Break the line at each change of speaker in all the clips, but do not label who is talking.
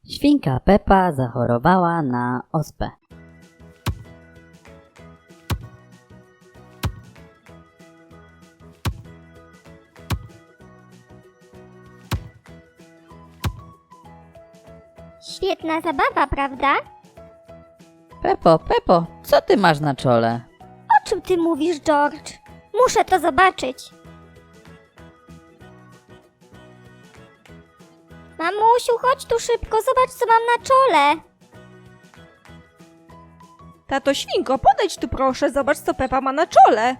Świnka Pepa zachorowała na ospę.
Świetna zabawa, prawda?
Pepo, co ty masz na czole?
O czym ty mówisz, George? Muszę to zobaczyć. Mamusiu, chodź tu szybko, zobacz, co mam na czole.
Tato Świnko, podejdź tu proszę, zobacz co Pepa ma na czole.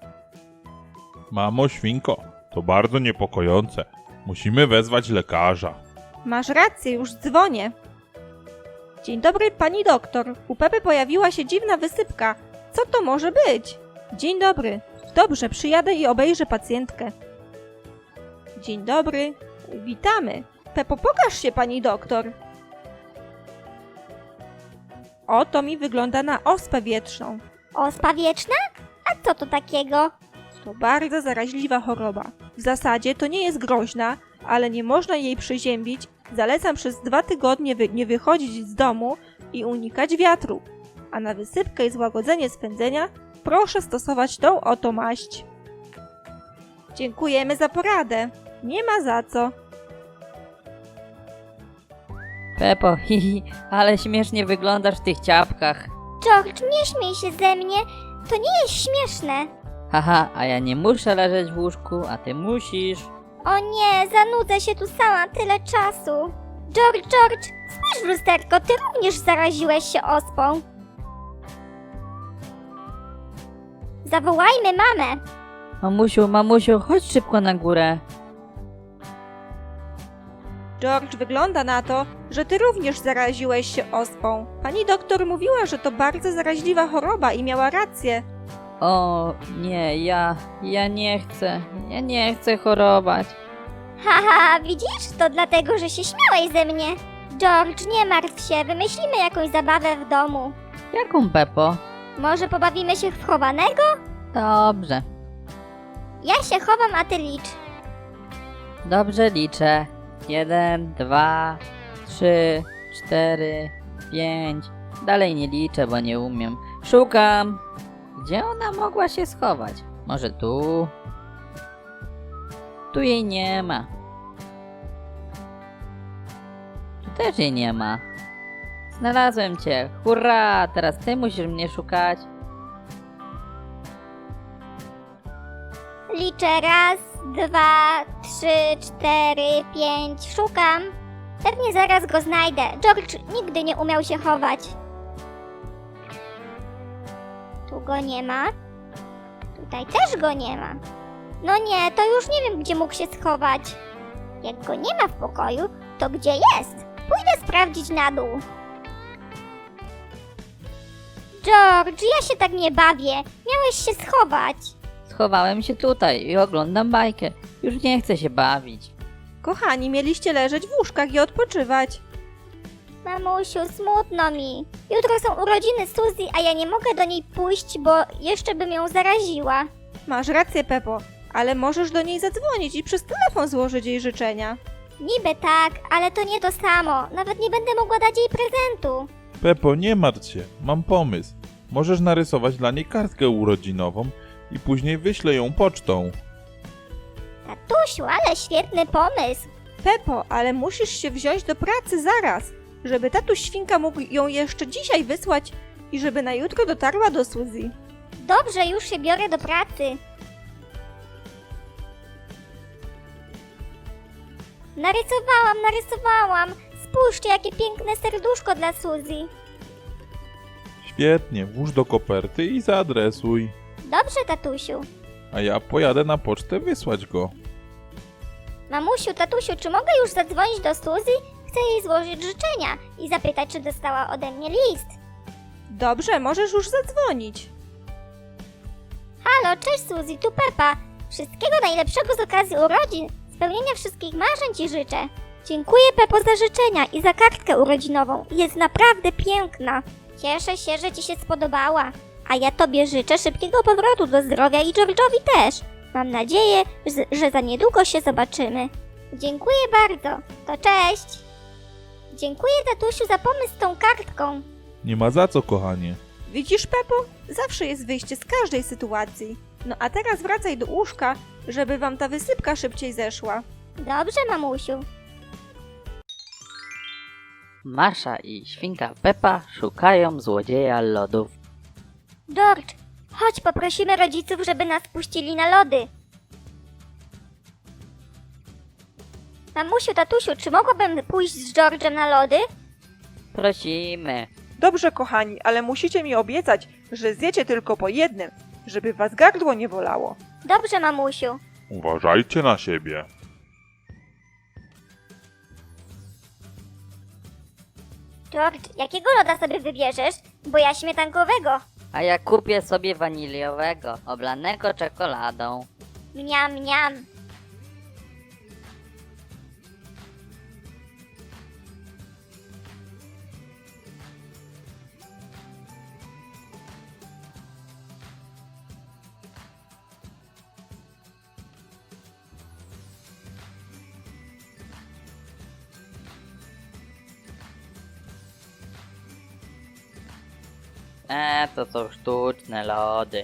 Mamo Świnko, to bardzo niepokojące. Musimy wezwać lekarza.
Masz rację, już dzwonię. Dzień dobry, pani doktor. U Pepy pojawiła się dziwna wysypka. Co to może być? Dzień dobry. Dobrze, przyjadę i obejrzę pacjentkę. Dzień dobry. Witamy. Pepo, pokaż się, pani doktor. Oto mi wygląda na ospę wietrzną.
Ospa wieczna? A co to takiego?
To bardzo zaraźliwa choroba. W zasadzie to nie jest groźna, ale nie można jej przeziębić. Zalecam przez 2 tygodnie nie wychodzić z domu i unikać wiatru. A na wysypkę i złagodzenie swędzenia proszę stosować tą oto maść. Dziękujemy za poradę. Nie ma za co.
Pepo, ale śmiesznie wyglądasz w tych ciapkach.
George, nie śmiej się ze mnie, to nie jest śmieszne.
Haha, a ja nie muszę leżeć w łóżku, a ty musisz.
O nie, zanudzę się tu sama tyle czasu. George, spójrz w lusterko, ty również zaraziłeś się ospą. Zawołajmy mamę.
Mamusiu, chodź szybko na górę.
George, wygląda na to, że ty również zaraziłeś się ospą. Pani doktor mówiła, że to bardzo zaraźliwa choroba i miała rację.
O nie, ja nie chcę chorować.
Haha, widzisz? To dlatego, że się śmiałeś ze mnie. George, nie martw się, wymyślimy jakąś zabawę w domu.
Jaką, Pepo?
Może pobawimy się w chowanego?
Dobrze,
Ja się chowam, a ty licz.
dobrze liczę. 1, 2, 3, 4, 5. Dalej nie liczę, bo nie umiem. Szukam. Gdzie ona mogła się schować? Może tu? Tu jej nie ma. Tu też jej nie ma. Znalazłem cię. Hurra! Teraz ty musisz mnie szukać.
Liczę 1, 2, 3, 4, 5. Szukam. Pewnie zaraz go znajdę. George nigdy nie umiał się chować. Tu go nie ma. Tutaj też go nie ma. No nie, to już nie wiem, gdzie mógł się schować. Jak go nie ma w pokoju, to gdzie jest? Pójdę sprawdzić na dół. George, ja się tak nie bawię. Miałeś się schować.
Schowałem się tutaj i oglądam bajkę. Już nie chcę się bawić.
Kochani, mieliście leżeć w łóżkach i odpoczywać.
Mamusiu, smutno mi. Jutro są urodziny Suzy, a ja nie mogę do niej pójść, bo jeszcze bym ją zaraziła.
Masz rację, Pepo, ale możesz do niej zadzwonić i przez telefon złożyć jej życzenia.
Niby tak, ale to nie to samo. Nawet nie będę mogła dać jej prezentu.
Pepo, nie martw się, mam pomysł. Możesz narysować dla niej kartkę urodzinową i później wyślę ją pocztą.
Tatusiu, ale świetny pomysł.
Pepo, ale musisz się wziąć do pracy zaraz, żeby tatuś Świnka mógł ją jeszcze dzisiaj wysłać i żeby na jutro dotarła do Suzy.
Dobrze, już się biorę do pracy. Narysowałam. Spójrzcie, jakie piękne serduszko dla Suzy.
Świetnie, włóż do koperty i zaadresuj.
Dobrze, tatusiu.
A ja pojadę na pocztę wysłać go.
Mamusiu, tatusiu, czy mogę już zadzwonić do Suzy? Chcę jej złożyć życzenia i zapytać, czy dostała ode mnie list.
Dobrze, możesz już zadzwonić.
Halo, cześć Suzy, tu Pepa. Wszystkiego najlepszego z okazji urodzin. Spełnienia wszystkich marzeń ci życzę. Dziękuję, Pepo, za życzenia i za kartkę urodzinową. Jest naprawdę piękna. Cieszę się, że ci się spodobała. A ja tobie życzę szybkiego powrotu do zdrowia i George'owi też. Mam nadzieję, że za niedługo się zobaczymy. Dziękuję bardzo. To cześć. Dziękuję, tatusiu, za pomysł z tą kartką.
Nie ma za co, kochanie.
Widzisz, Pepo? Zawsze jest wyjście z każdej sytuacji. No a teraz wracaj do łóżka, żeby wam ta wysypka szybciej zeszła.
Dobrze, mamusiu.
Masza i świnka Pepa szukają złodzieja lodów.
George, chodź, poprosimy rodziców, żeby nas puścili na lody. Mamusiu, tatusiu, czy mogłabym pójść z George'em na lody?
Prosimy.
Dobrze, kochani, ale musicie mi obiecać, że zjecie tylko po jednym, żeby was gardło nie bolało.
Dobrze, mamusiu.
Uważajcie na siebie.
George, jakiego loda sobie wybierzesz? Bo ja śmietankowego.
A ja kupię sobie waniliowego, oblanego czekoladą.
Mniam, mniam.
To są sztuczne lody.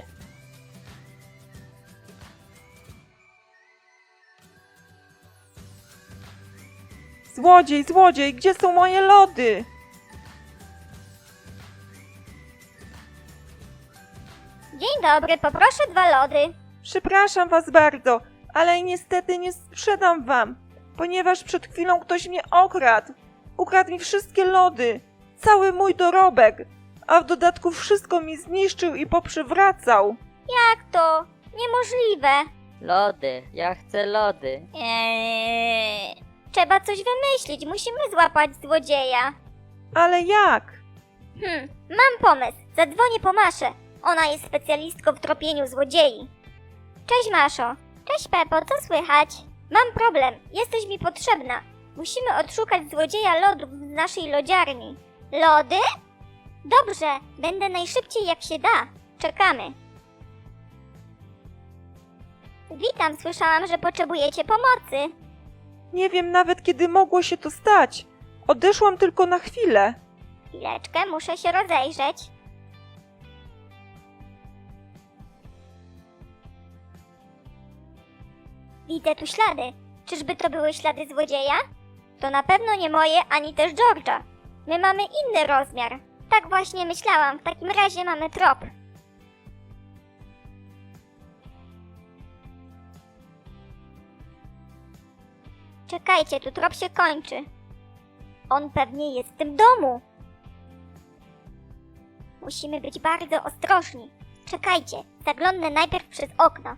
Złodziej, złodziej, gdzie są moje lody?
Dzień dobry, poproszę 2 lody.
Przepraszam was bardzo, ale niestety nie sprzedam wam, ponieważ przed chwilą ktoś mnie okradł. Ukradł mi wszystkie lody, cały mój dorobek, a w dodatku wszystko mi zniszczył i poprzywracał.
Jak to? Niemożliwe.
Lody, ja chcę lody.
Trzeba coś wymyślić, musimy złapać złodzieja.
Ale jak?
Mam pomysł. Zadzwonię po Maszę. Ona jest specjalistką w tropieniu złodziei. Cześć, Maszo. Cześć, Pepo, co słychać? Mam problem. Jesteś mi potrzebna. Musimy odszukać złodzieja lodów z naszej lodziarni. Lody? Dobrze, będę najszybciej jak się da. Czekamy. Witam, słyszałam, że potrzebujecie pomocy.
Nie wiem nawet kiedy mogło się to stać. Odeszłam tylko na chwilę.
Chwileczkę, muszę się rozejrzeć. Widzę tu ślady. Czyżby to były ślady złodzieja? To na pewno nie moje, ani też George'a. My mamy inny rozmiar. Tak właśnie myślałam, w takim razie mamy trop. Czekajcie, tu trop się kończy. On pewnie jest w tym domu. Musimy być bardzo ostrożni. Czekajcie, zaglądnę najpierw przez okno.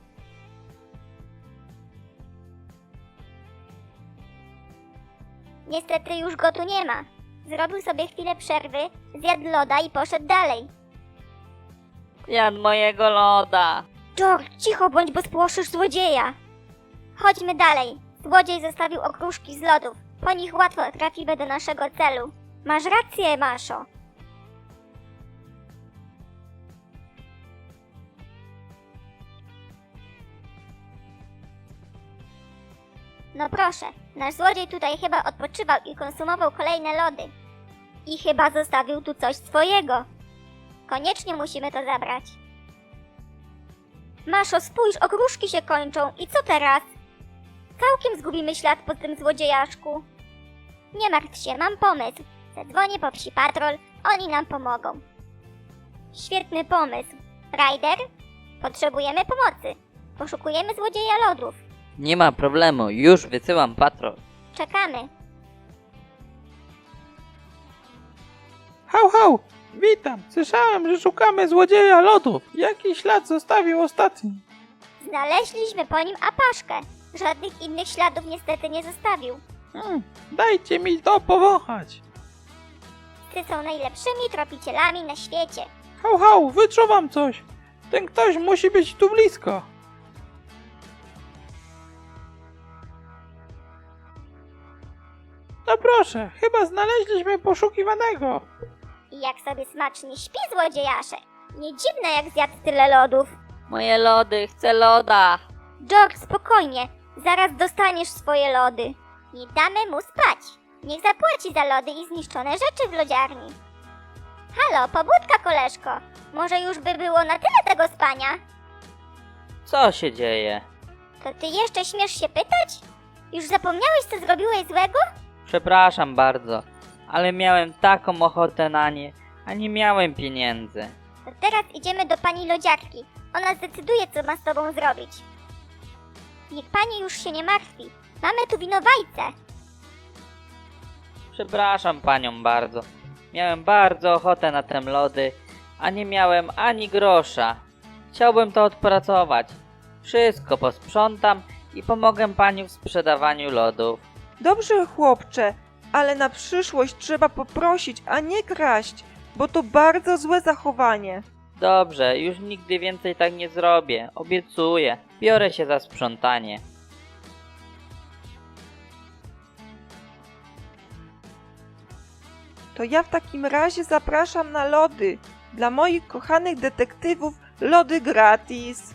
Niestety już go tu nie ma. Zrobił sobie chwilę przerwy, zjadł loda i poszedł dalej.
Jadł mojego loda.
George, cicho bądź, bo spłoszysz złodzieja. Chodźmy dalej. Złodziej zostawił okruszki z lodów. Po nich łatwo trafimy do naszego celu. Masz rację, Maszo. No proszę, nasz złodziej tutaj chyba odpoczywał i konsumował kolejne lody. I chyba zostawił tu coś swojego. Koniecznie musimy to zabrać. Maszo, spójrz, okruszki się kończą. I co teraz? Całkiem zgubimy ślad po tym złodziejaszku. Nie martw się, mam pomysł. Zadzwonię po psi patrol, oni nam pomogą. Świetny pomysł. Ryder, potrzebujemy pomocy. Poszukujemy złodzieja lodów.
Nie ma problemu, już wysyłam patrol.
Czekamy.
Hał, hał! Witam! Słyszałem, że szukamy złodzieja lodów. Jaki ślad zostawił ostatni?
Znaleźliśmy po nim apaszkę. Żadnych innych śladów niestety nie zostawił.
Dajcie mi to powąchać.
Ty są najlepszymi tropicielami na świecie.
Hał, hał! Wyczuwam coś. Ten ktoś musi być tu blisko. No proszę, chyba znaleźliśmy poszukiwanego.
I jak sobie smacznie śpi złodziejaszek. Nie dziwne, jak zjadł tyle lodów.
Moje lody, chcę loda.
George, spokojnie. Zaraz dostaniesz swoje lody. Nie damy mu spać. Niech zapłaci za lody i zniszczone rzeczy w lodziarni. Halo, pobudka, koleżko. Może już by było na tyle tego spania?
Co się dzieje?
To ty jeszcze śmiesz się pytać? Już zapomniałeś, co zrobiłeś złego?
Przepraszam bardzo, ale miałem taką ochotę na nie, a nie miałem pieniędzy.
To teraz idziemy do pani lodziarki. Ona zdecyduje, co ma z tobą zrobić. Niech pani już się nie martwi. Mamy tu winowajcę.
Przepraszam panią bardzo. Miałem bardzo ochotę na te lody, a nie miałem ani grosza. Chciałbym to odpracować. Wszystko posprzątam i pomogę pani w sprzedawaniu lodów.
Dobrze, chłopcze, ale na przyszłość trzeba poprosić, a nie kraść, bo to bardzo złe zachowanie.
Dobrze, już nigdy więcej tak nie zrobię. Obiecuję. Biorę się za sprzątanie.
To ja w takim razie zapraszam na lody. Dla moich kochanych detektywów lody gratis.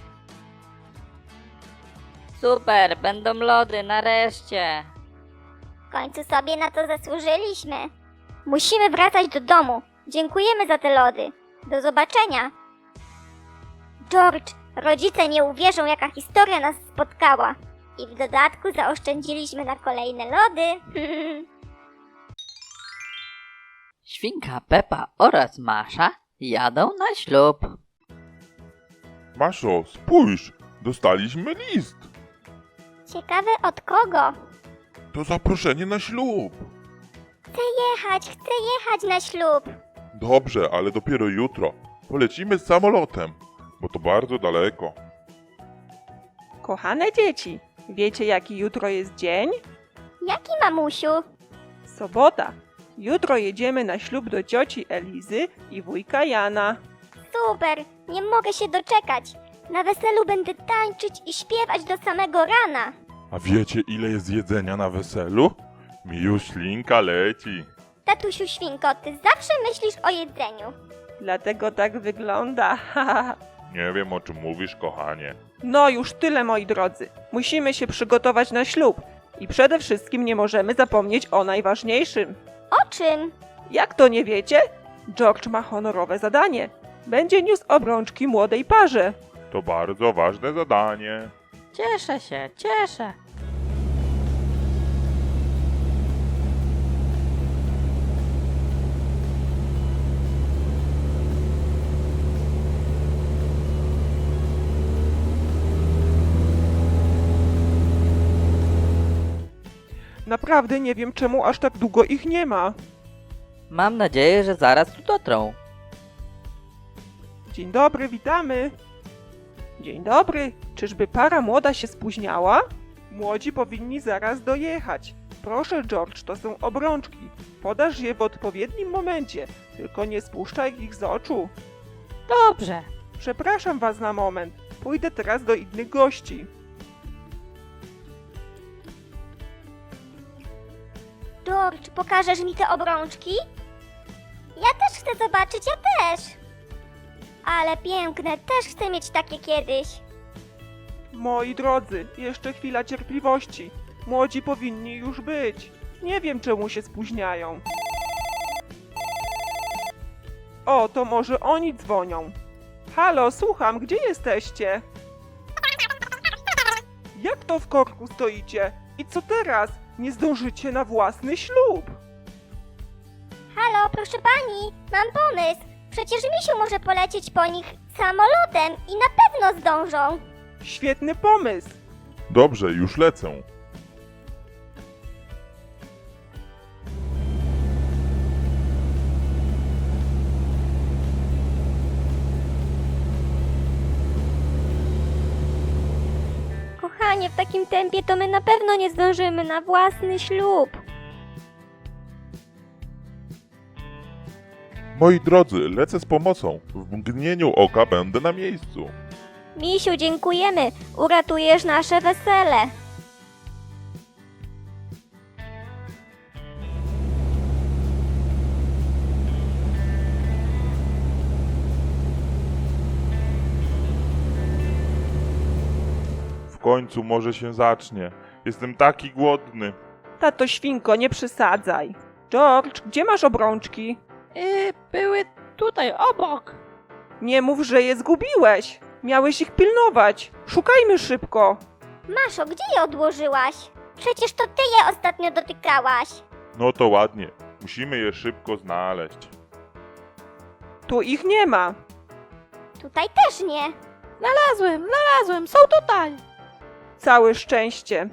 Super, będą lody, nareszcie.
W końcu sobie na to zasłużyliśmy. Musimy wracać do domu. Dziękujemy za te lody. Do zobaczenia. George, rodzice nie uwierzą, jaka historia nas spotkała. I w dodatku zaoszczędziliśmy na kolejne lody.
Świnka Pepa oraz Masza jadą na ślub.
Maszo, spójrz, dostaliśmy list.
Ciekawe od kogo?
To zaproszenie na ślub.
Chcę jechać na ślub.
Dobrze, ale dopiero jutro. Polecimy z samolotem, bo to bardzo daleko.
Kochane dzieci, wiecie jaki jutro jest dzień?
Jaki, mamusiu?
Sobota. Jutro jedziemy na ślub do cioci Elizy i wujka Jana.
Super, nie mogę się doczekać. Na weselu będę tańczyć i śpiewać do samego rana.
A wiecie, ile jest jedzenia na weselu? Mi już ślinka leci.
Tatusiu Świnko, ty zawsze myślisz o jedzeniu.
Dlatego tak wygląda.
Nie wiem, o czym mówisz, kochanie.
No już tyle, moi drodzy. Musimy się przygotować na ślub. I przede wszystkim nie możemy zapomnieć o najważniejszym.
O czym?
Jak to nie wiecie? George ma honorowe zadanie. Będzie niósł obrączki młodej parze.
To bardzo ważne zadanie.
Cieszę się, cieszę.
Naprawdę nie wiem, czemu aż tak długo ich nie ma.
Mam nadzieję, że zaraz tu dotrą.
Dzień dobry, witamy. Dzień dobry. Czyżby para młoda się spóźniała? Młodzi powinni zaraz dojechać. Proszę, George, to są obrączki. Podasz je w odpowiednim momencie, tylko nie spuszczaj ich z oczu.
Dobrze.
Przepraszam was na moment. Pójdę teraz do innych gości.
George, pokażesz mi te obrączki? Ja też chcę zobaczyć, ja też. Ale piękne, też chcę mieć takie kiedyś.
Moi drodzy, jeszcze chwila cierpliwości. Młodzi powinni już być. Nie wiem, czemu się spóźniają. O, to może oni dzwonią. Halo, słucham, gdzie jesteście? Jak to w korku stoicie? I co teraz? Nie zdążycie na własny ślub.
Halo, proszę pani, mam pomysł. Przecież misiu może polecieć po nich samolotem i na pewno zdążą.
Świetny pomysł.
Dobrze, już lecę.
Kochanie, w takim tempie to my na pewno nie zdążymy na własny ślub.
Moi drodzy, lecę z pomocą. W mgnieniu oka będę na miejscu.
Misiu, dziękujemy. Uratujesz nasze wesele.
W końcu może się zacznie. Jestem taki głodny.
Tato świnko, nie przesadzaj. George, gdzie masz obrączki?
Były tutaj, obok.
Nie mów, że je zgubiłeś. Miałeś ich pilnować. Szukajmy szybko.
Maszo, gdzie je odłożyłaś? Przecież to ty je ostatnio dotykałaś.
No to ładnie. Musimy je szybko znaleźć.
Tu ich nie ma.
Tutaj też nie.
Znalazłem, są tutaj.
Całe szczęście.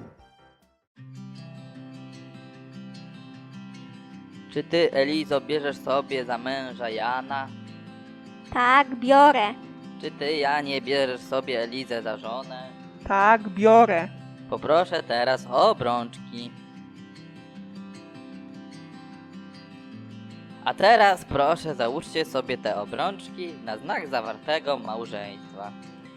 Czy ty, Elizo, bierzesz sobie za męża Jana?
Tak, biorę.
Czy ty, Janie, bierzesz sobie Elizę za żonę?
Tak, biorę.
Poproszę teraz o obrączki. A teraz proszę załóżcie sobie te obrączki na znak zawartego małżeństwa.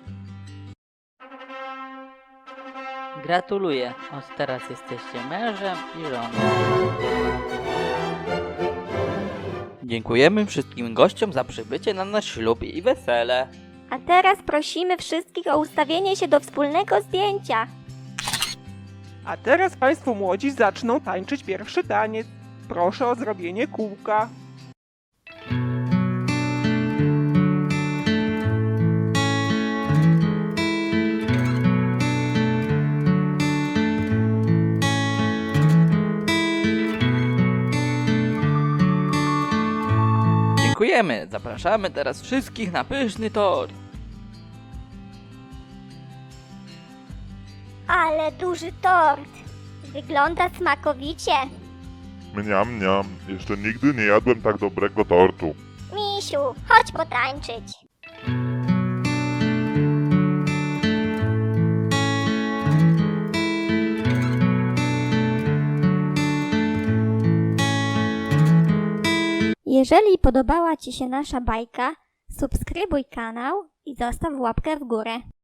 Gratuluję, od teraz jesteście mężem i żoną. Dziękujemy wszystkim gościom za przybycie na nasz ślub i wesele.
A teraz prosimy wszystkich o ustawienie się do wspólnego zdjęcia.
A teraz państwo młodzi zaczną tańczyć pierwszy taniec. Proszę o zrobienie kółka.
Dziękujemy, zapraszamy teraz wszystkich na pyszny tort.
Ale duży tort. Wygląda smakowicie.
Mniam, mniam. Jeszcze nigdy nie jadłem tak dobrego tortu.
Misiu, chodź potańczyć. Jeżeli podobała Ci się nasza bajka, subskrybuj kanał i zostaw łapkę w górę.